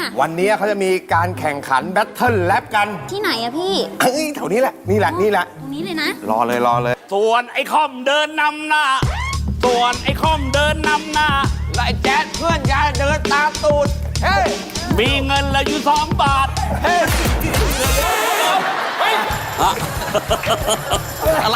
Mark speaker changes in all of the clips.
Speaker 1: วันนี้เขาจะมีการแข่งขันแบทเทิลแรปกัน
Speaker 2: ที่ไหนอะพี่
Speaker 1: แถวนี้แหละ นี่แหละ นี่แหละ
Speaker 2: ตรงนี้เลยนะ
Speaker 1: รอเลย รอเลย
Speaker 3: ส่วนไอ้คอมเดินนำหน้า ส่วนไอ้คอมเดินนำหน้า
Speaker 4: และไอ้แจ๊ดเพื่อนยายเดินตามตูด เฮ้ย
Speaker 3: มีเงินเหลืออยู่2 บาท
Speaker 4: เฮ้ย อะไร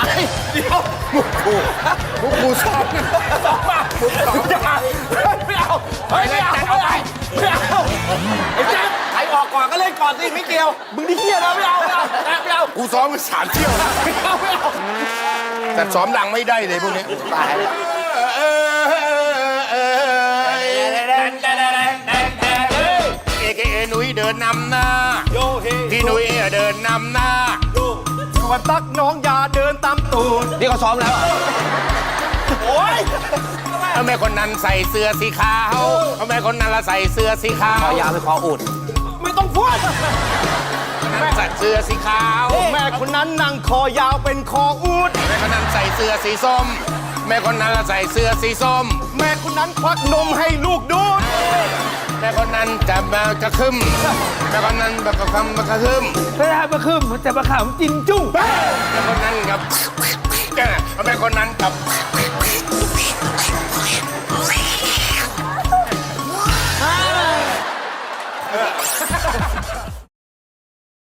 Speaker 1: พวกกูสอบพวกสอบ
Speaker 4: ไม่เอาเฮ้ยไม่เอาไม่เอาไม่เอาไอ้แจ๊ดใครออกก่อนก็เล่นก่อนสิไม่เกี่ยว มึงนี่เหี้ยนะไม่เอาไม่เอาไม่เอา
Speaker 1: กูซ้อมมา3 เที่ยวแล้ว
Speaker 4: ไม่เอาไม่เอา
Speaker 1: แต่ซ้อมดังไม่ได้เลยพวกนี้ตายแล้วเอหนุ่ยเดินนำหน้าพี่หนุ่ยเดินนำหน้าส่วนตักน้องยาเดินตามตูด
Speaker 4: นี่เขาซ้อมแล้วอ่ะ
Speaker 1: โอ้ยแม่คนนั้นใส่เสื้อสีขาวแม่คนนั้นละใส่เสื้อสีขาว
Speaker 4: คอยาวไปคออุด
Speaker 1: ไม่ต้องพูดแม่ใส่เสื้อสีขาว แม่คนนั้นนั่งคอยาวเป็นคออูดแม่คนนั้นใส่เสื้อสีส้ม แม่คนนั้นละใส่เสื้อสีส้ม แม่คนนั้นควักนมให้ลูกดูดแม่คนนั้นจะมากระคึมแม่คนนั้นแบบกระคึมกระคึม
Speaker 4: ไม่ได้มาขึ้นแต่มาขำจินจุ้ง
Speaker 1: แม่คนนั้นกับแม่คนนั้นกับ